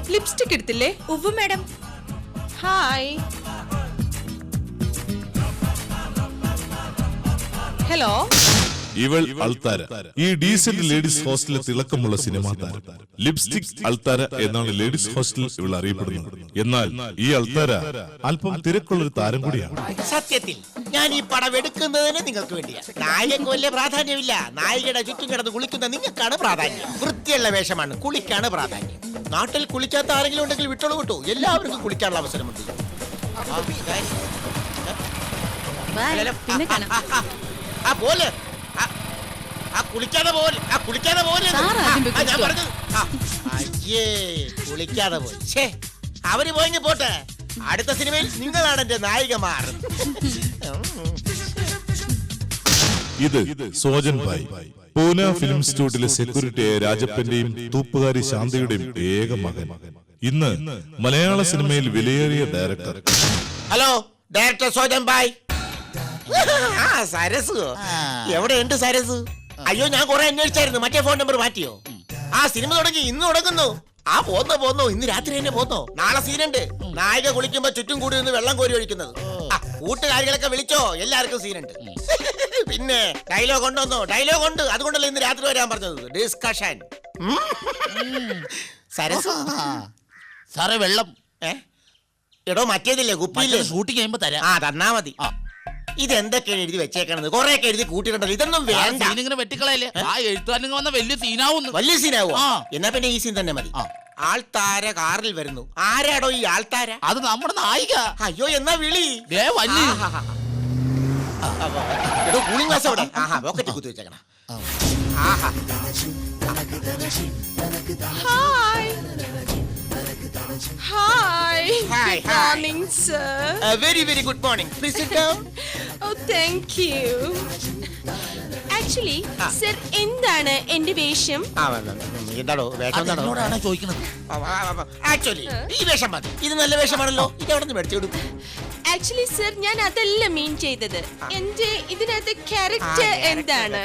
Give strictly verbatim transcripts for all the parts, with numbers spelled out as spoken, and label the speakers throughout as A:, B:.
A: Lipstick എടുത്തില്ലേ?
B: ഉവ്വ് madam.
A: Hi. Hello.
C: ഇവൾ അൾത്താര, ഈ ഡീസന്റ് ലേഡീസ് ഹോസ്റ്റലിലെ തിളക്കമുള്ള സിനിമാ താരം. ലിപ്സ്റ്റിക് അൾത്താര എന്നാണ് ലേഡീസ് ഹോസ്റ്റലിൽ ഇവൾ അറിയപ്പെടുന്നത്. എന്നാൽ ഈ അൾത്താര അല്പം തിരക്കുള്ളൊരു താരം കൂടിയാണ്.
D: സത്യത്തിൽ ഞാൻ ഈ പടം എടുക്കുന്നതിന് നിങ്ങൾക്ക് വേണ്ടിയാണ്. നായികക്ക് വലിയ പ്രാധാന്യമില്ല. നായികയുടെ ചുറ്റും കിടന്ന് കുളിക്കുന്ന നിങ്ങൾക്കാണ് പ്രാധാന്യം. വൃത്തിയുള്ള വേഷമാണ്, കുളിക്കാണ് പ്രാധാന്യം. നാട്ടിൽ കുളിക്കാത്ത ആരെങ്കിലും ഉണ്ടെങ്കിൽ വിട്ടോളൂ വിട്ടു. എല്ലാവർക്കും കുളിക്കാനുള്ള അവസരമുണ്ട്. ആ പോലെ ആ കുളിക്കാതെ പോലെ ആ കുളിക്കാതെ പോലെ ഞാൻ പറഞ്ഞത്. അയ്യേ, കുളിക്കാതെ പോയി. ഛേ, അവര് പോയി പോട്ടെ. അടുത്ത സിനിമയിൽ നിങ്ങളാണ് എന്റെ നായികമാർ.
C: ഇത് സോജൻ ഭായ്, പൂന ഫിലിം ഇൻസ്റ്റിറ്റ്യൂട്ടിലെ സെക്യൂരിറ്റിയായ രാജപ്പന്റെയും തൂപ്പുകാരി ശാന്തയുടെയും ഏക മകൻ. ഇന്ന് മലയാള സിനിമയിൽ വിലയേറിയ ഡയറക്ടർ.
D: ഹലോ, ഡയറക്ടർ സോജൻ ഭായ്. ആ സരസ്, എവിടെയുണ്ട് സരസ്? അയ്യോ, ഞാൻ കുറെ അന്വേഷിച്ചായിരുന്നു. മറ്റേ ഫോൺ നമ്പർ മാറ്റിയോ? ആ സിനിമ തുടങ്ങി, ഇന്ന് തുടങ്ങുന്നു. ആ പോന്നോ പോന്നോ, ഇന്ന് രാത്രി തന്നെ പോന്നോ. നാളെ സീനുണ്ട്. നായിക കുളിക്കുമ്പോ ചുറ്റും കൂടി നിന്ന് വെള്ളം കോരി ഒഴിക്കുന്നത്. കൂട്ടുകാരികളൊക്കെ വിളിച്ചോ, എല്ലാവർക്കും സീനുണ്ട്. പിന്നെ ഡയലോഗ് ഉണ്ടോന്നോ? ഡയലോഗ് ഉണ്ട്, അതുകൊണ്ടല്ലേ ഇന്ന് രാത്രി വരാൻ പറഞ്ഞത്. ഡിസ്കഷൻ. സരസ്
E: സാറേ, വെള്ളം.
D: ഏ എടോ, മറ്റേതില്ലേ കുപ്പിയില്ലേ?
E: ഷൂട്ടിങ് കഴിയുമ്പോ തരാം.
D: ആ തന്നാ മതി. ഇതെന്തൊക്കെയാണ് എഴുതി വെച്ചേക്കണത്? കൊറേ എഴുതി കൂട്ടിയിട്ടുണ്ടല്ലോ. ഇതൊന്നും വേണ്ട.
E: ഇങ്ങനെ വെട്ടിക്കളയല്ലേ? ആ എഴുത്തുകാരൻ വന്ന വലിയ സീനാവുന്നു.
D: വലിയ സീനാവോ? എന്നാ പിന്നെ ഈ സീൻ തന്നെ മതി. ആൾത്താര കാറിൽ വരുന്നു. ആരാടോ ഈ ആൾത്താര?
E: അത് നമ്മുടെ നായിക.
D: അയ്യോ, എന്നാ വിളി. കൂളിംഗ് ഗ്ലാസ് അവിടെ. ആഹാ, പോക്കറ്റ് കുത്തി വെച്ചേക്കണ. ആഹാ.
A: Hi. Hi.
D: Hi.
A: Good morning, sir.
D: Uh, very, very good morning. Please sit down.
A: Oh, thank you. Actually, sir, എന്താണ് എന്റെ വേഷം?
D: എന്താണോ വേഷം?
E: എന്താണോ ചോദിക്കുന്നത്?
D: ആക്ച്വലി ഈ വേഷം മതി. ഇത് നല്ല വേഷമാണല്ലോ. ഇത് എവിടെ നിന്ന് മേടിച്ചു കൊടുക്കും?
A: ആക്ച്വലി സർ, ഞാൻ അതല്ല മീൻ ചെയ്തത്. എന്റെ ഇതിനകത്ത് ക്യാരക്ടർ എന്താണ്?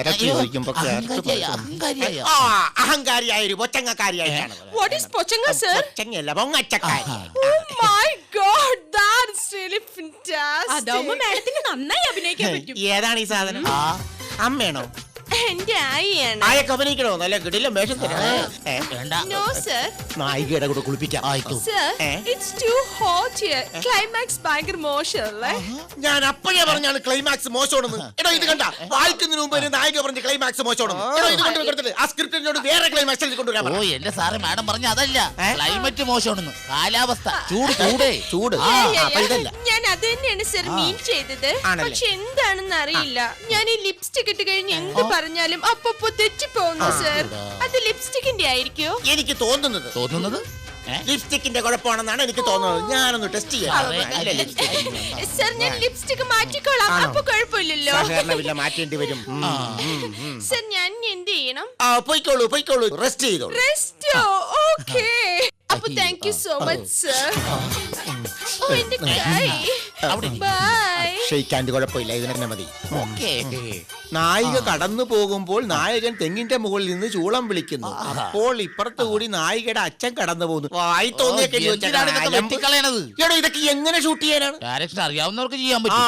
D: അഹങ്കാരിയായ ഒരു പൊച്ചങ്ങക്കാരിയായിട്ടാണ്.
A: What is പൊച്ചങ്ങ സർ?
D: പൊച്ചങ്ങയല്ല, പൊങ്ങച്ചക്കാരി.
A: Oh my God, that's really fantastic.
B: അതാവുമ്പോ മാഡത്തിന് നന്നായി അഭിനയിക്കാൻ പറ്റും.
D: ഏതാണ് ഈ സാധനം? അമ്മയാണോ?
A: എന്റെ ആയിയാണ്.
D: ആയൊക്കെ അഭിനയിക്കണോ? നല്ല കിടിലം വേഷം തരാം.
A: No sir.
D: നായികയുടെ കൂടെ കുളിപ്പിക്കാം.
A: Sir, it's too hot here. Climax ഭയങ്കര മോശമല്ലേ?
D: ഞാൻ അപ്പോഴേ പറഞ്ഞാണ് ക്ലൈമാക്സ് മോശമാണെന്ന്. എടോ, ഇത് കണ്ട, വായിക്കുന്നതിന് മുമ്പ് നായിക പറഞ്ഞ ക്ലൈമാക്സ് മോശമാണെന്ന്. എടോ, ഇത് കൊണ്ടുവരുത്തില്ല. ആ സ്ക്രിപ്റ്റിനോട് വേറെ ക്ലൈമാക്സ് കൊണ്ടുവരാൻ.
E: ഓ, എന്റെ സാറ് മാഡം പറഞ്ഞ അതല്ല, ക്ലൈമറ്റ് മോശമാണെന്ന്. കാലാവസ്ഥ ചൂട് ചൂടേ
D: ചൂട്.
A: ഞാൻ അത് തന്നെയാണ് സർ മീൻ ചെയ്തത്. പക്ഷെ എന്താണെന്ന് അറിയില്ല. ഞാൻ ഈ ലിപ്സ്റ്റിക് ഇട്ട് കഴിഞ്ഞ് എന്ത് പറഞ്ഞാലും അപ്പൊ തെറ്റിപ്പോന്നു സർ. അത് ലിപ്സ്റ്റിക്കിന്റെ ആയിരിക്കോ?
D: എനിക്ക് തോന്നുന്നത്
E: തോന്നുന്നത്
D: ലിപ്സ്റ്റിക്കിന്റെ കുഴപ്പമാണെന്നാണ് എനിക്ക് തോന്നുന്നത്. ഞാനൊന്ന് ടെസ്റ്റ് ചെയ്യാം.
A: സർ, ഞാൻ ലിപ്സ്റ്റിക് മാറ്റിക്കോളാം. അപ്പൊ കുഴപ്പമില്ലല്ലോ.
D: മാറ്റേണ്ടി വരും.
A: സർ, ഞാൻ എന്ത് ചെയ്യണം?
D: പോയിക്കോളൂ പോയിക്കോളൂ റെസ്റ്റ് ചെയ്തോളൂ.
A: റെസ്റ്റോ? ഓക്കേ. അപ്പൊ thank you so much sir. ഓ, എന്റെ കൈ. ബൈ.
D: ഷെയ്ക്കാൻ്റെ കുഴപ്പമില്ല, ഇതിന് തന്നെ മതി. നായിക കടന്നു പോകുമ്പോൾ നായകൻ തെങ്ങിന്റെ മുകളിൽ നിന്ന് ചൂളം വിളിക്കുന്നു. അപ്പോൾ ഇപ്പുറത്ത് കൂടി നായികയുടെ അച്ഛൻ കടന്നു പോകുന്നു. വായി തോന്നിയൊക്കെ ഇതൊക്കെ എങ്ങനെ ഷൂട്ട് ചെയ്യാനാണ്?
E: ഡയറക്ഷൻ അറിയാവുന്നവർക്ക് ചെയ്യാൻ പറ്റും.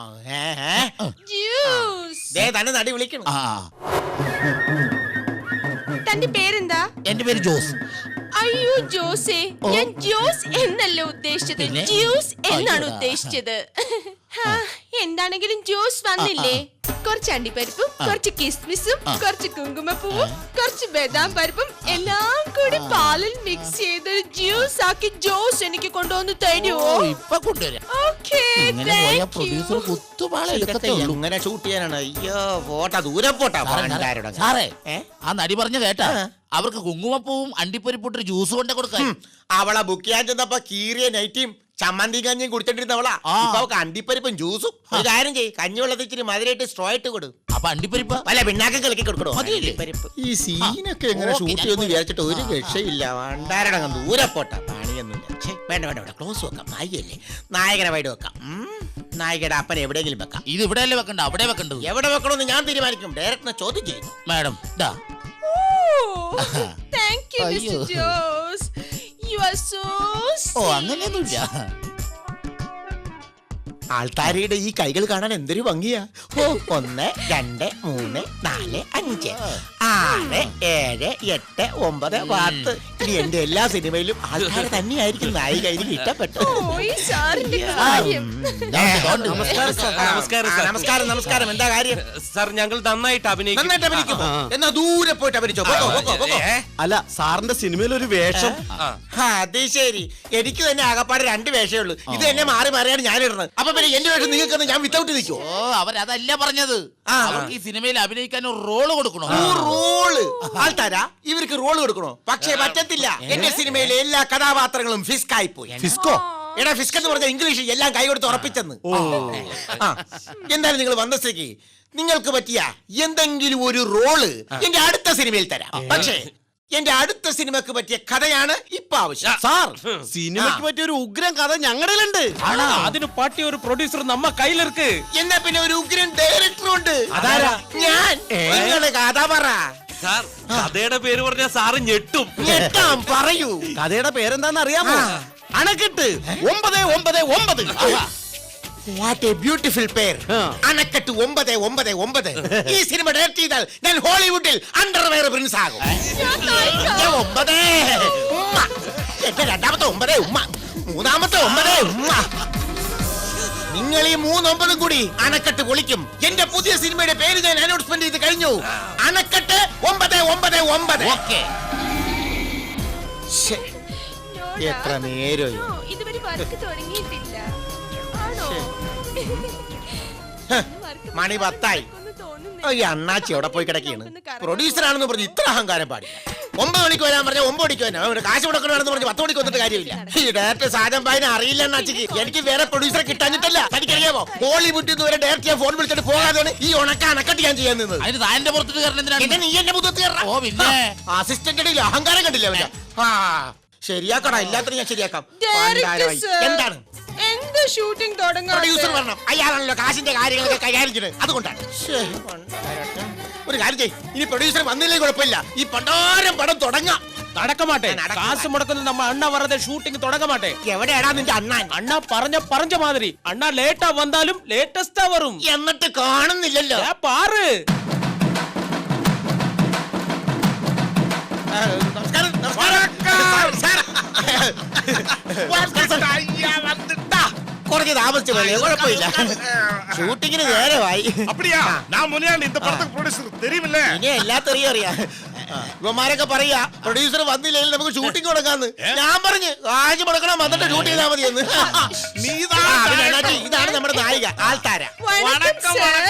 D: തന്നെ നടി വിളിക്കണം.
A: തന്റെ പേരെന്താ?
E: എന്റെ പേര് ജോസ്.
A: അയ്യോ ജോസേ, ഞാൻ ജോസ് എന്നല്ല ഉദ്ദേശിച്ചത്, ജ്യൂസ് എന്നാണ് ഉദ്ദേശിച്ചത്. എന്താണെങ്കിലും ജ്യൂസ് വന്നില്ലേ? കുറച്ച് അണ്ടിപ്പരിപ്പും കുറച്ച് കിസ്മിസും കുറച്ച് കുങ്കുമപ്പൂവും കുറച്ച് ബദാം പരിപ്പും എല്ലാം കൂടി പാലിൽ മിക്സ് ചെയ്ത് ജ്യൂസ് ആക്കി ജോസ് എനിക്ക് കൊണ്ടുവന്ന് തരുമോ?
E: ഇപ്പൊ കൊണ്ടുവരാം.
D: ഇങ്ങനെ ഷൂട്ട് ചെയ്യാനാണ്? അയ്യോ, പോട്ടാ, ദൂരെ പോട്ടാ.
E: സാറേ, ആ നടി പറഞ്ഞ കേട്ടാ, അവർക്ക് കുങ്കുമപ്പൂവും അണ്ടിപ്പരിപ്പൊട്ടൊരു ജ്യൂസ് കൊണ്ടേ കൊടുക്കാൻ.
D: അവളെ ബുക്ക് ചെയ്യാൻ ചെന്നപ്പോ കീറിയ നൈറ്റിയും ചമ്മന്തി കഞ്ഞിയും കുടിച്ചോണ്ടിരുന്നവളാ. ഇപ്പൊ അവക്ക് അണ്ടിപ്പരിപ്പും ജ്യൂസും. ഒരു കാര്യം ചെയ്യ്, കഞ്ഞിവെള്ളത്തിൽ ഇച്ചിരി മധുരമായിട്ട് സ്ട്രോ ഇട്ട് കൊടു.
E: അപ്പൊ അണ്ടിപ്പരിപ്പ്
D: അല്ല, പിന്നാക്കം കളിക്കി കൊടുക്കണോ? ഈ സീനൊക്കെ എങ്ങനെ ഷൂട്ട് ചെയ്യുമെന്ന് വിചാരിച്ചിട്ട് ഒരു രക്ഷയില്ല. വണ്ടാരടങ്ങ് ദൂരെ പോട്ടാ, പണിയൊന്നുമില്ല. വേണ്ട വേണ്ട വേണ്ട, ക്ലോസ് വെക്കാം. നായികയല്ലേ, നായകനെ വൈഡ് വെക്കാം. നായികയുടെ അപ്പനെ എവിടെയെങ്കിലും വെക്കാം.
E: ഇത് ഇവിടെയല്ലേ വെക്കണ്ട, അവിടെ വെക്കണ്ടത്.
D: എവിടെ വെക്കണമെന്ന് ഞാൻ തീരുമാനിക്കും. ഡയറക്ടറിനെ ചോദ്യം ചെയ്യുന്നു.
E: Madam,
A: thank you mister Jose. So
E: ഓ അങ്ങനെയൊന്നുമില്ല.
D: ആൾത്താരയുടെ ഈ കൈകൾ കാണാൻ എന്തൊരു ഭംഗിയാ. ഓ, ഒന്ന് രണ്ട് മൂന്ന് നാല് അഞ്ച് ആറ് ഏഴ് എട്ട് ഒമ്പത് പത്ത്. ഇനി എന്റെ എല്ലാ സിനിമയിലും ആൾക്കാരെ തന്നെയായിരിക്കും നായിക. എനിക്ക് ഇഷ്ടപ്പെട്ടു.
A: ഓ ഈ സാറിന്റെ കാര്യം.
D: നമസ്കാരം സാർ.
F: നമസ്കാരം സാർ.
D: നമസ്കാരം നമസ്കാരം. എന്താ കാര്യം?
F: സാർ ഞങ്ങൾ നന്നായിട്ട് അഭിനയിക്കും.
D: നന്നായിട്ട് അഭിനയിക്കുമോ? എന്നാ ദൂരെ പോയിട്ട് അഭിനയിച്ചോ. പോകോ, പോകോ, പോകോ.
G: അല്ല സാറിന്റെ സിനിമയിൽ ഒരു വേഷം.
F: ആ.
D: ആ, അത് ശരി. എനിക്ക് തന്നെ ആകപ്പാട് രണ്ട് വേഷമേ ഉള്ളൂ. ഇത് തന്നെ മാറി മാറിയാണ് ഞാൻ ഇടുന്നത്. അപ്പൊ പിന്നെ എന്റെ വേഷം നിങ്ങൾക്ക് ഞാൻ വിത്തൗട്ട് നിൽക്കോ?
E: ഓ അവരതല്ല പറഞ്ഞത്.
D: ആ.
E: അവർക്ക് ഈ സിനിമയിൽ അഭിനയിക്കാൻ ഒരു റോള് കൊടുക്കണോ?
D: റോള് ആൾക്കാരാ ഇവർക്ക് റോള് കൊടുക്കണോ? പക്ഷേ പറ്റത്തില്ല. എന്റെ സിനിമയിലെ എല്ലാ കഥാപാത്രങ്ങളും ഫിസ്കായി പോയി.
G: ഫിസ്കോ?
D: എടാ ഫിസ്ക് എന്ന് പറഞ്ഞ ഇംഗ്ലീഷ് എല്ലാം കൈ കൊടുത്ത് ഉറപ്പിച്ചെന്ന്. ആ, എന്തായാലും നിങ്ങൾ വന്ന സ്ഥിതിക്ക് നിങ്ങൾക്ക് പറ്റിയ എന്തെങ്കിലും ഒരു റോള് എന്റെ അടുത്ത സിനിമയിൽ തരാം. പക്ഷേ എന്റെ അടുത്ത സിനിമക്ക് പറ്റിയ കഥയാണ് ഇപ്പൊ ആവശ്യം.
G: സാർ സിനിമയ്ക്ക് പറ്റിയ ഒരു ഉഗ്രം കഥ ഞങ്ങളുടെയിലുണ്ട്.
F: അതിന് പറ്റിയ ഒരു പ്രൊഡ്യൂസർ നമ്മ കയ്യിലിருக்கு.
D: എന്നാ പിന്നെ ഒരു ഉഗ്രൻ ഡയറക്ടർ ഉണ്ട്.
G: അതാരാ?
D: ഞാൻ. നിങ്ങള് കഥ പറ.
F: സാർ കഥയുടെ പേര് പറഞ്ഞ സാറ് ഞെട്ടും.
D: ഞെട്ടാം, പറയൂ.
G: കഥയുടെ പേരെന്താന്ന് അറിയാമോ? അണക്കെട്ട് ഒമ്പത് ഒമ്പത് ഒമ്പത്.
D: വാട്ട് എ ബ്യൂട്ടിഫുൾ പേർ. അണക്കെട്ട് ഒമ്പത് ഒമ്പത് ഒമ്പത്. ഈ സിനിമ ഡയറക്ട് ചെയ്താൽ ഞാൻ ഹോളിവുഡിൽ അണ്ടർവെയർ പ്രിൻസ് ആകും. ഞാൻ ഒമ്പത് ഉമ്മ. എന്റെ രണ്ടാമത്തെ ഒമ്പത് ഉമ്മ, മൂന്നാമത്തെ ഒമ്പത് ഉമ്മ. നിങ്ങൾ ഈ മൂന്നൊമ്പതും കൂടി അണക്കെട്ട് പൊളിക്കും. എന്റെ പുതിയ സിനിമയുടെ പേര് ഞാൻ അനൗൺസ്മെന്റ് ചെയ്ത് കഴിഞ്ഞു. അണക്കെട്ട് ഒമ്പത് ഒമ്പത് ഒമ്പത്. എത്ര നേരം
A: ഓ, ഇതുവരെ വർക്ക് തുടങ്ങിയിട്ടില്ല. ആണോ?
D: മണി പത്തായി. ഈ അണ്ണാച്ചി എവിടെ പോയി കിടക്കുകയാണ്? പ്രൊഡ്യൂസർ ആണെന്ന് പറഞ്ഞ് ഇത്ര അഹങ്കാരം പാടില്ല. ഒമ്പത് മണിക്ക് വരാൻ പറഞ്ഞ ഒമ്പത് മണിക്ക് വരാം. അവര് കാശ് മുടക്കണമെന്ന് പറഞ്ഞ് പത്ത് മണിക്ക് വന്നിട്ട് കാര്യമില്ല. ഈ ഡയറക്ടർ സാധനം പായനെ അറിയില്ല അണ്ണാച്ചിക്ക്. എനിക്ക് വേറെ പ്രൊഡ്യൂസറെ കിട്ടാഞ്ഞിട്ടല്ല. തനിക്കറിയാമോ ഹോളിവുഡിൽ നിന്ന് വരെ ഡയറക്ടർ ഞാൻ ഫോൺ വിളിച്ചിട്ട് പോകാതെയാണ് ഈ ഉണക്ക അണക്കട്ട് ഞാൻ ചെയ്യാൻ നിന്നത്.
E: അതിന് താന്റെ പുറത്തിട്ട് കയറണം എന്തിനാണ്?
D: പിന്നെ നീ എന്റെ മുഖത്ത്
E: ഓ പിന്നെ
D: അസിസ്റ്റന്റിന്റെ അഹങ്കാരം കണ്ടില്ല അവന്റെ. ആ ശരിയാക്കടാ, എല്ലാത്തിനും ഞാൻ ശരിയാക്കാം.
A: ഡയറക്ടർ
D: പണ്ടാരമായി.
A: സർ,
D: എന്താണ്
A: എന്ത് ഷൂട്ടിംഗ് തുടങ്ങാൻ?
D: പ്രൊഡ്യൂസർ പറഞ്ഞു അയാളാണല്ലോ കാശിന്റെ കാര്യങ്ങളൊക്കെ കൈകാര്യം ചെയ്യുന്നത്. അതുകൊണ്ടാണ്. ശ്ശേ, പണ്ടാരട്ടെ. ഒരു കാര്യം ചെയ്യ്, ഇനി പ്രൊഡ്യൂസർ വന്നില്ലേ കുഴപ്പമില്ല. ഈ പണ്ടാരം പടം തുടങ്ങാം.
F: നടക്കമാട്ടെ.
D: നടക്ക
F: കാശ് മുടക്കുന്നത് നമ്മ അണ്ണ വരതെ ഷൂട്ടിംഗ് തുടങ്ങമാട്ടെ.
D: എവിടെയാടാ നിന്റെ അണ്ണാൻ?
F: അണ്ണ പറഞ്ഞ പറഞ്ഞ മാതിരി അണ്ണ ലേറ്റാ വന്നാലും ലേറ്റസ്റ്റാ വരും.
D: എന്നിട്ട് കാണുന്നില്ലല്ലോ.
F: ഏ, പാറ്.
D: ആ, നമസ്കാരം നമസ്കാരം സാർ, സാർ. ദാ, കുറച്ച് താമസിച്ചു പോലെ കുഴപ്പമില്ല. ഷൂട്ടിങ്ങിന് നേരമായി.
H: அப்படியா நான் முனியாண்டி இந்த படத்துக்கு ப்ரொடியூசர் தெரியுமில்ல
D: ഇനി എല്ലാത്തറിയും അറിയാം. ഇവന്മാരൊക്കെ പറയാ പ്രൊഡ്യൂസർ വന്നില്ലെങ്കിൽ നമുക്ക് ഷൂട്ടിംഗ് തുടങ്ങാന്ന്. ഞാൻ പറഞ്ഞു കാശ് മുടക്കണം, വന്നിട്ട് ഷൂട്ട് ചെയ്താൽ മതിയെന്ന്.
H: நீதான்
D: ആ, പിന്നെ അണ്ണാച്ചി, ഇതാണ് നമ്മുടെ നായിക ആൾത്താര.
A: വണക്കം സർ.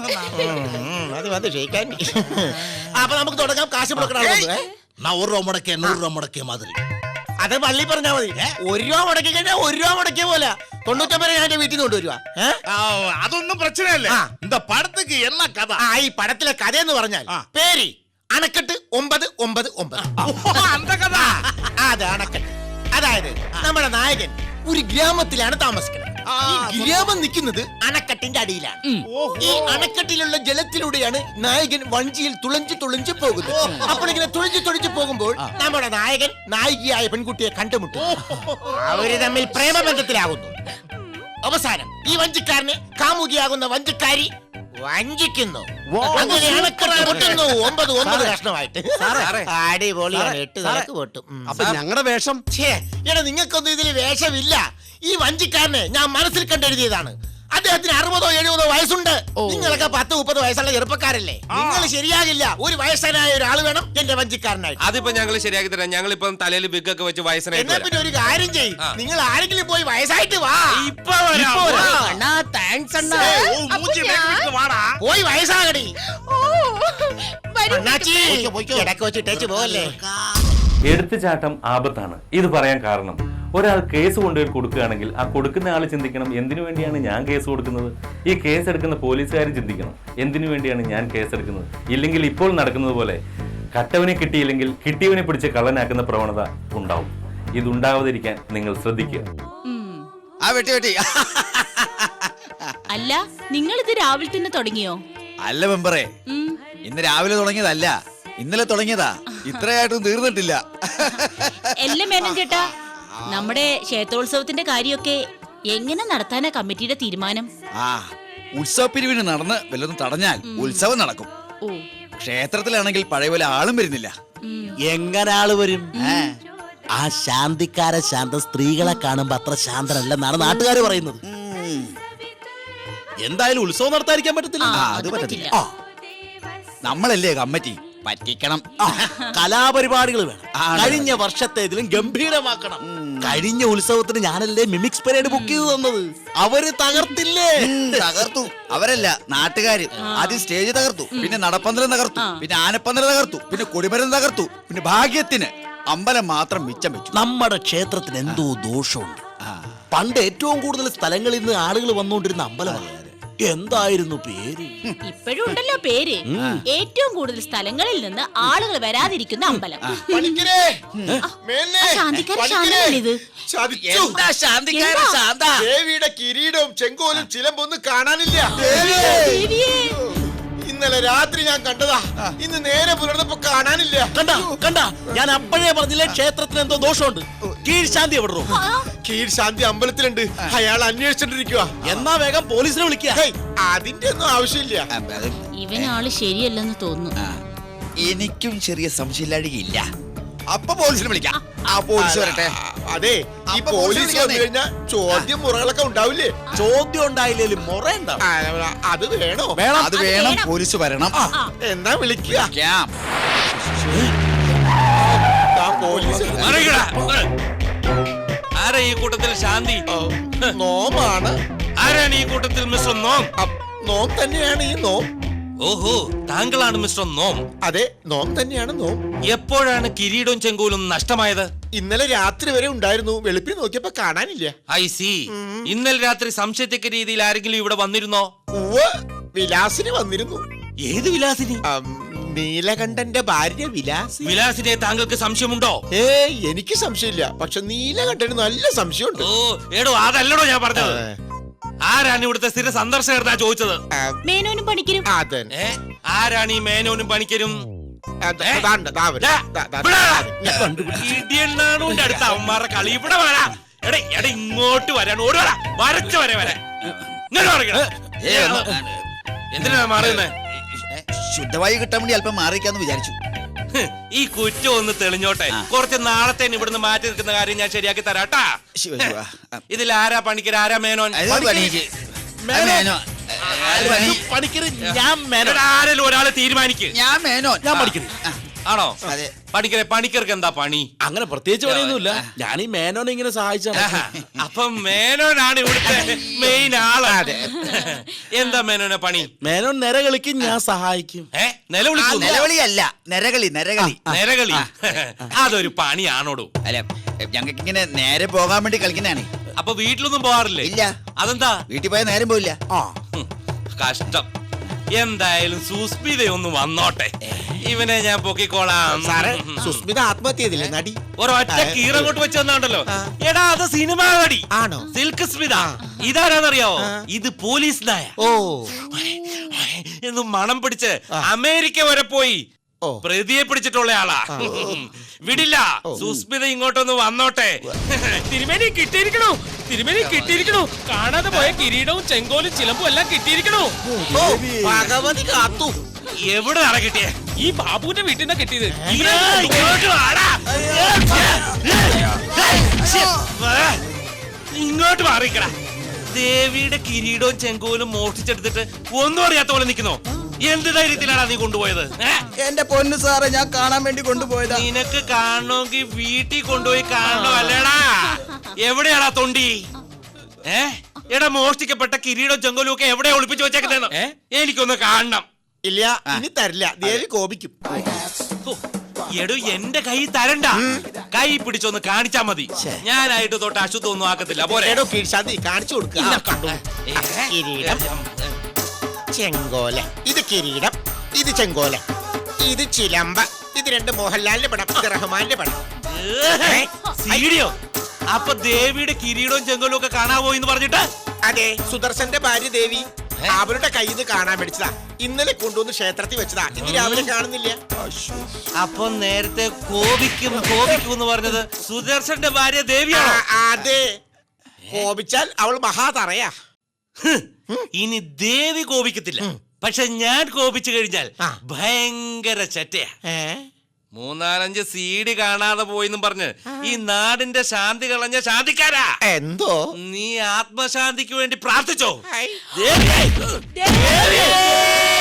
D: ഉം, അത് വന്ന് ക്ഷയിക്കാൻ. അപ്പൊ നമുക്ക് തുടങ്ങാം. കാശ് മുടക്കണം.
E: நான் ஒரு ரூபா முடக்கே நூறு ரூபா முடக்கே மாதிரி.
D: അത് പള്ളി പറഞ്ഞാ മതി. ഒരു രൂപ മുടക്കി കഴിഞ്ഞാൽ ഒരു രൂപ മുടക്കിയ പോലെ തൊണ്ണൂറ്റൊമ്പത് ഞാൻ എന്റെ വീട്ടിൽ നിന്ന് കൊണ്ടുവരുവാ.
H: அது ஒன்றும் பிரச்சனை இல்ல
D: ஆ.
H: இந்த படத்துக்கு என்ன கதை
D: ആ ഈ പടത്തിലെ കഥ എന്ന് പറഞ്ഞാൽ
H: ആ.
D: പേര് അണക്കെട്ട് ഒമ്പത് ഒമ്പത് ഒമ്പത്.
H: அந்த கதை
D: ആ, അത് അണക്കെട്ട്. അതായത് നമ്മുടെ നായകൻ ഒരു ഗ്രാമത്തിലാണ് താമസിക്കുന്നത്. ഈ ഗ്രാമം നിൽക്കുന്നത് അണക്കെട്ടിന്റെ അടിയിലാണ്. ഈ അണക്കെട്ടിലുള്ള ജലത്തിലൂടെയാണ് നായകൻ വഞ്ചിയിൽ തുളഞ്ചു തുളഞ്ചു പോകുന്നത്. അപ്പോൾ ഇങ്ങനെ തുളഞ്ചു തുളഞ്ചു പോകുമ്പോൾ നമ്മുടെ നായകൻ നായികയായ പെൺകുട്ടിയെ കണ്ടുമുട്ടും. അവര് തമ്മിൽ പ്രേമബന്ധത്തിലാകുന്നു. അവസാനം ഈ വഞ്ചിക്കാരനെ കാമുകിയാകുന്ന വഞ്ചിക്കാരി വഞ്ചിക്കുന്നു. അങ്ങനെ അണക്കെട്ട് പൊട്ടുന്നു ഒമ്പത് ഒമ്പത് കഷ്ണമായിട്ട്. അടിപൊളിയാണ്. എട്ട് നിലക്ക് പൊട്ടും. ഉം.
G: അപ്പൊ ഞങ്ങളുടെ വേഷം
D: ഛേ, എടാ നിങ്ങൾക്കൊന്നും ഇതിൽ വേഷമില്ല. ഈ വഞ്ചിക്കാരനെ ഞാൻ മനസ്സിൽ കണ്ടെഴുതിയതാണ്. അദ്ദേഹത്തിന് അറുപതോ എഴുപതോ വയസ്സുണ്ട്. നിങ്ങളൊക്കെ പത്ത് മുപ്പത് വയസ്സുള്ള ചെറുപ്പക്കാരല്ലേ. നിങ്ങൾ ശരിയാകില്ല. ഒരു വയസ്സനായ ഒരാൾ വേണം എന്റെ വഞ്ചിക്കാരനായിട്ട്.
F: അതിപ്പോ ഞങ്ങൾ ശരിയാക്കി തരാം. ഞങ്ങളിപ്പം തലയിൽ ബിഗ് ഒക്കെ വെച്ച് വയസ്സനായിട്ട്
D: എന്നാ പിന്നെ ഒരു കാര്യം ചെയ്യും, നിങ്ങൾ ആരെങ്കിലും പോയി വയസ്സായിട്ട് വാ.
F: ഇപ്പൊ വരാം.
D: അണ്ണാ താങ്ക്സ് അണ്ണാ.
H: ஓ மூஞ்சி மேய்க்கிட்டு வாடா
D: പോയി വയസ്സാകടി.
A: ഓ, വരൂ.
D: അണ്ണാച്ചി ഇടക്ക് വെച്ചിട്ടേച്ച് പോവല്ലേ.
I: എടുത്തുചാട്ടം ആപത്താണ്. ഇത് പറയാൻ കാരണം ഒരാൾ കേസ് കൊണ്ടുപോയി കൊടുക്കുകയാണെങ്കിൽ ആ കൊടുക്കുന്ന ആൾ ചിന്തിക്കണം എന്തിനു വേണ്ടിയാണ് ഞാൻ കേസ് കൊടുക്കുന്നത്. ഈ കേസ് എടുക്കുന്ന പോലീസുകാരും ചിന്തിക്കണം എന്തിനു വേണ്ടിയാണ് ഞാൻ കേസ് എടുക്കുന്നത്. ഇല്ലെങ്കിൽ ഇപ്പോൾ നടക്കുന്നത് പോലെ കട്ടവനെ കിട്ടിയില്ലെങ്കിൽ കിട്ടിയവനെ പിടിച്ച് കള്ളനാക്കുന്ന പ്രവണത ഉണ്ടാവും. ഇതുണ്ടാവാതിരിക്കാൻ നിങ്ങൾ ശ്രദ്ധിക്കുക.
G: ആ വെട്ടി വെട്ടി.
B: അല്ല നിങ്ങൾ ഇത് രാവിലെ തന്നെ തുടങ്ങിയോ?
G: അല്ല മെമ്പറേ, ഇന്ന് രാവിലെ തുടങ്ങിയതല്ല, ഇന്നലെ തുടങ്ങിയതാ. ഇത്രയായിട്ടും തീർന്നിട്ടില്ല.
B: എല്ലാം മേനൻ ചേട്ടാ, നമ്മുടെ ക്ഷേത്രോത്സവത്തിന്റെ കാര്യമൊക്കെ എങ്ങനെ നടത്താനാ കമ്മിറ്റിയുടെ തീരുമാനം?
G: ആ ഉത്സവ പിരിവിന് നടന്ന് വല്ലതും തടഞ്ഞാൽ ഉത്സവം നടക്കും.
B: ഓ
G: ക്ഷേത്രത്തിലാണെങ്കിൽ പഴയ പോലെ ആളും വരുന്നില്ല.
J: എങ്ങനെ ആള് വരും? ആ ശാന്തിക്കാര ശാന്ത സ്ത്രീകളെ കാണുമ്പോ അത്ര ശാന്തനല്ലെന്നാണ് നാട്ടുകാർ പറയുന്നത്. എന്തായാലും ഉത്സവം നടത്താതിരിക്കാൻ പറ്റത്തില്ല.
G: ആ, അത് പറ്റത്തില്ല. ആ, നമ്മളല്ലേ കമ്മിറ്റി, പറ്റിക്കണം.
J: കലാപരിപാടികൾ വേണം.
G: ആണ്.
J: കഴിഞ്ഞ വർഷത്തേതിലും ഗംഭീരമാക്കണം. കഴിഞ്ഞ ഉത്സവത്തിന് ഞാനല്ലേ മിമിക്സ് പരേഡ് ബുക്ക് ചെയ്ത് തന്നത്. അവര് തകർത്തില്ലേ?
G: ഉം, തകർത്തു. അവരല്ല, നാട്ടുകാര്. ആദ്യം സ്റ്റേജ് തകർത്തു, പിന്നെ നടപ്പന്തലം തകർത്തു, പിന്നെ ആനപ്പന്തലം തകർത്തു, പിന്നെ കൊടിമരം തകർത്തു, പിന്നെ ഭാഗ്യത്തിന് അമ്പലം മാത്രം മിച്ചം വെച്ചു.
J: നമ്മുടെ ക്ഷേത്രത്തിന് എന്തോ ദോഷമുണ്ട്. പണ്ട് ഏറ്റവും കൂടുതൽ സ്ഥലങ്ങളിൽ നിന്ന് ആളുകൾ വന്നുകൊണ്ടിരുന്ന അമ്പലമാണ്. എന്തായിരുന്നു പേര്?
B: ഇപ്പോഴും ഉണ്ടല്ലോ പേര്. ഏറ്റവും കൂടുതൽ സ്ഥലങ്ങളിൽ നിന്ന് ആളുകൾ വരാതിരിക്കുന്ന അമ്പലം.
D: പണിക്കരെ,
B: ആ,
D: മേന്നെ,
B: ശാന്തിക്കാരൻ
D: പണിക്കരെ.
B: ശാന്തനല്ലേ ഇത്?
D: ചതിച്ചു.
G: എന്താ ശാന്തിക്കാരൻ
B: എന്താ?
G: ശാന്ത?
D: ദേവിയുടെ കിരീടവും ചെങ്കോലും ചിലമ്പൊന്നും കാണാനില്ല.
B: ദേവിയേ.
D: ഇന്നലെ രാത്രി ഞാൻ കണ്ടതാ, ഇന്ന് നേരെ പുലർന്നപ്പോ കാണാനില്ല.
J: കണ്ട കണ്ട ഞാൻ അപ്പോഴേ പറഞ്ഞില്ലേ ക്ഷേത്രത്തിന് എന്തോ ദോഷമുണ്ട്. കീഴ് ശാന്തി എവിടെ?
D: കീഴ് ശാന്തി അമ്പലത്തിലുണ്ട്. അയാൾ അന്വേഷിച്ചോണ്ടിരിക്കുക.
J: എന്നാ വേഗം പോലീസിനെ വിളിക്കുക.
D: അതിന്റെ ഒന്നും ആവശ്യമില്ല.
G: ആ, അത്
B: ഇവനാള് ശരിയല്ലെന്ന് തോന്നുന്നു.
G: ആ, എനിക്കും ചെറിയ സംശയമില്ലാടിയില്ല. അപ്പൊ പോലീസിനെ വിളിക്കാം. ആ പോലീസ് വരട്ടെ.
D: അതെ, ഈ
G: അപ്പൊ
D: പോലീസ്
G: പോലീസ്
D: വന്നു കഴിഞ്ഞാൽ ചോദ്യം മുറകളൊക്കെ ഉണ്ടാവില്ലേ?
J: ചോദ്യം ഉണ്ടായില്ലേലും മുറ ഉണ്ടാവും.
D: ആ, അത് വേണോ?
J: വേണം.
G: അത് വേണം, പോലീസ് വരണം.
D: എന്നാ വിളിക്കുക.
G: വിളിക്കാം.
D: ആ പോലീസ്
F: ആരാ ഈ കൂട്ടത്തിൽ ശാന്തി?
D: നോമാണ്.
F: ആരാണ് ഈ കൂട്ടത്തിൽ മിസ്റ്റർ നോം?
D: അപ്പ് നോം തന്നെയാണ് ഈ നോം.
F: ഓഹോ, താങ്കളാണ് മിസ്റ്റർ നോം.
D: അതെ, നോം തന്നെയാണ് നോം.
F: എപ്പോഴാണ് കിരീടവും ചെങ്കോലും നഷ്ടമായത്?
D: ഇന്നലെ രാത്രി വരെ ഉണ്ടായിരുന്നു. വെളുപ്പിൽ നോക്കിയപ്പോ കാണാനില്ല.
F: I see. ഇന്നലെ രാത്രി സംശയത്തക്ക രീതിയിൽ ആരെങ്കിലും ഇവിടെ വന്നിരുന്നോ?
D: ഉവ്വ്, വിലാസിനി വന്നിരുന്നു.
F: ഏത് വിലാസിനി?
D: അം, നീലകണ്ഠന്റെ ഭാര്യ വിലാസി.
F: വിലാസിനെ താങ്കൾക്ക് സംശയമുണ്ടോ?
D: ഏയ്, എനിക്ക് സംശയമില്ല. പക്ഷെ നീലകണ്ഠന് നല്ല സംശയമുണ്ട്.
F: ഓ എടോ, അതല്ലടോ ഞാൻ പറഞ്ഞത്. ആരാണ് ഇവിടുത്തെ സ്ഥിര സന്ദർശകർ ചോദിച്ചത്?
D: ആ,
B: മേനോനും പണിക്കരും.
D: അതന്നെ.
F: ഏ? ആരാണ് ഈ മേനോനും പണിക്കരും?
D: അത് അതാണ്ട്, ദാ വരും.
F: ദാ,
D: ദാ, ദാ,
F: ഇവിടെ വാ.
D: ദാ.
F: ഇടിയണ്ണാണുവിന്റെ അടുത്ത് അവന്മാരുടെ കളി. ഇവിടെ വരാ. എടേ എടേ ഇങ്ങോട്ട് വരാൻ ഓടി വരാ. വരച്ച വരെ വരെ ഇങ്ങനെ പറയണ.
G: ഏ, ഒന്ന്,
F: എന്തിനാ മാറുന്നേ?
G: ഏ, ശുദ്ധവായു കിട്ടാൻ വേണ്ടി അല്പം മാറിക്കാന്ന് വിചാരിച്ചു.
F: ഈ കുറ്റം ഒന്ന് തെളിഞ്ഞോട്ടെ. കുറച്ച് നാളത്തേന് ഇവിടുന്ന് മാറ്റി നിൽക്കുന്ന കാര്യം ഞാൻ ശരിയാക്കി തരാട്ടാ.
G: ശിവ, ശിവ. ആ,
F: ഇതിൽ ആരാ പണിക്കർ, ആരാ മേനോൻ?
G: അത് പണിക്ക്. ആ, മേനോൻ. അത് പണി.
J: പണിക്കര് ഞാൻ മേനോൻ.
F: എടാ, ആരെങ്കിലും ഒരാളെ തീരുമാനിക്ക്.
G: ഞാൻ മേനോൻ.
J: ഞാൻ പഠിക്കുന്നു.
G: ആ,
F: ആണോ?
G: അതെ.
F: പണിക്കരെ, പണിക്കർക്ക് എന്താ പണി?
J: അങ്ങനെ പ്രത്യേകിച്ച് പണിയൊന്നുമില്ല. ഞാൻ ഈ മേനോനെ ഇങ്ങനെ സഹായിച്ചാണ്.
F: ആഹാ. അപ്പം മേനോനാണ് ഇവിടുത്തെ മെയിൻ ആള്. എന്താ മേനോനെ പണി?
J: മേനോൻ നിര കളിക്കും, ഞാൻ സഹായിക്കും.
F: ഏ
G: ആ,
F: നിലവിളിക്കുന്നു?
G: നിലവിളിയല്ല, നരകളി, നരകളി.
F: നിലകളി അതൊരു പണിയാണോടോ?
G: അല്ല, ഞങ്ങൾക്ക് ഇങ്ങനെ നേരെ പോകാൻ വേണ്ടി കളിക്കുന്നതാണ്.
F: അപ്പൊ വീട്ടിലൊന്നും പോവാറില്ലേ?
G: ഇല്ല.
F: അതെന്താ?
G: വീട്ടിൽ പോയാൽ നേരം പോയില്ല.
J: ആ
F: ഹും, കഷ്ടം. എന്തായാലും സുസ്മിതയൊന്ന് വന്നോട്ടെ. ഇവനെ ഞാൻ പൊക്കിക്കോളാം.
D: സാറേ, സുസ്മിത ആത്മഹത്യ ചെയ്തില്ലേ നടി?
F: ഒരൊറ്റ കീറങ്ങോട്ട് വെച്ച് തന്നാണ്ടല്ലോ. എടാ, അത് സിനിമാ നടി.
D: ആണോ?
F: സിൽക്ക് സ്മിത. ഇതാരാന്നറിയാവോ? ഇത് പോലീസ് നായ.
D: ഓ,
F: എന്ന് മണം പിടിച്ച് അമേരിക്ക വരെ പോയി
D: ഓ.
F: പ്രതിയെ പിടിച്ചിട്ടുള്ള ആളാ. വിടില്ല. സുസ്മിത ഇങ്ങോട്ടൊന്ന് വന്നോട്ടെ.
H: തിരുമേനി കിട്ടിയിരിക്കണു, തിരുമേനി കിട്ടിയിരിക്കണു. കാണാതെ പോയ കിരീടവും ചെങ്കോലും ചിലമ്പും എല്ലാം കിട്ടിയിരിക്കണു.
D: ഓ, ഭഗവതി കാത്തു.
F: എവിടെ നട കിട്ടിയേ?
H: ഈ ബാബുവിന്റെ വീട്ടിൽ നിന്നാ കിട്ടിയത്.
F: ഇങ്ങോട്ട് വാടാ. വാ. ഇങ്ങോട്ട് മാറിക്കടാ. ദേവിയുടെ കിരീടവും ചെങ്കോലും മോഷ്ടിച്ചെടുത്തിട്ട് ഒന്നും അറിയാത്ത പോലെ നിൽക്കുന്നോ? എന്ത് ധൈര്യത്തിലാണ് നീ കൊണ്ടുപോയത്? ഏ?
G: എന്റെ പൊന്നു സാറേ, ഞാൻ കാണാൻ വേണ്ടി കൊണ്ടുപോയതാ.
F: നിനക്ക് കാണണമെങ്കിൽ വീട്ടിൽ കൊണ്ടുപോയി കാണണോ അല്ലേടാ? എവിടെയാടാ തൊണ്ടി? ഏ എടാ, മോഷ്ടിക്കപ്പെട്ട കിരീടവും ചെങ്കോലും ഒക്കെ എവിടെയാ ഒളിപ്പിച്ചു വെച്ചേക്കുന്നതെന്ന് എനിക്കൊന്ന് കാണണം.
D: ഇല്ല, ഇനി തരില്ല. ദേവി കോപിക്കും.
F: ഹോ, എടോ, എന്റെ കൈ തരണ്ട. കൈ പിടിച്ചൊന്ന് കാണിച്ചാ മതി. ഞാനായിട്ട് തൊട്ട് അശുദ്ധം ഒന്നും ആക്കത്തില്ല. പോരെ.
D: എടോ കീഴ്ശാന്തി, കാണിച്ചു കൊടുക്കുക. കണ്ടു.
F: ഏ?
D: കിരീടം, ചെങ്കോല. ഇത് കിരീടം, ഇത് ചെങ്കോല, ഇത് ചിലമ്പ. ഇത് രണ്ട് മോഹൻലാലിന്റെ പടം, ഇത് റഹ്മാന്റെ പടം.
F: ഏ? സീഡിയോ? അപ്പൊ ദേവിയുടെ കിരീടവും ചെങ്കോലും ഒക്കെ കാണാവോ എന്ന് പറഞ്ഞിട്ട്?
D: അതെ, സുദർശന്റെ ഭാര്യ ദേവി അവരുടെ കയ്യിൽ നിന്ന് കാണാൻ മേടിച്ചതാ. ഇന്നലെ കൊണ്ടുവന്ന് ക്ഷേത്രത്തിൽ വെച്ചതാ. ഇന്ന് രാവിലെ കാണുന്നില്ല.
F: അപ്പൊ നേരത്തെ കോപിക്കും കോപിക്കും എന്ന് പറഞ്ഞത് സുദർശന്റെ ഭാര്യ ദേവിയാണ്.
D: അതെ, കോപിച്ചാൽ അവൾ മഹാതറയാ.
F: ഇനി ദേവി കോപിക്കത്തില്ല, പക്ഷെ ഞാൻ കോപിച്ചു കഴിഞ്ഞാൽ ഭയങ്കര ചറ്റയാ. മൂന്നാലഞ്ച് സീഡി കാണാതെ പോയിന്നും പറഞ്ഞ് ഈ നാടിന്റെ ശാന്തി കളഞ്ഞ ശാന്തിക്കാരാ.
D: എന്തോ
F: നീ ആത്മശാന്തിക്ക് വേണ്ടി പ്രാർത്ഥിച്ചോ?
D: ഹൈ.
F: ദേവി! ദേവി!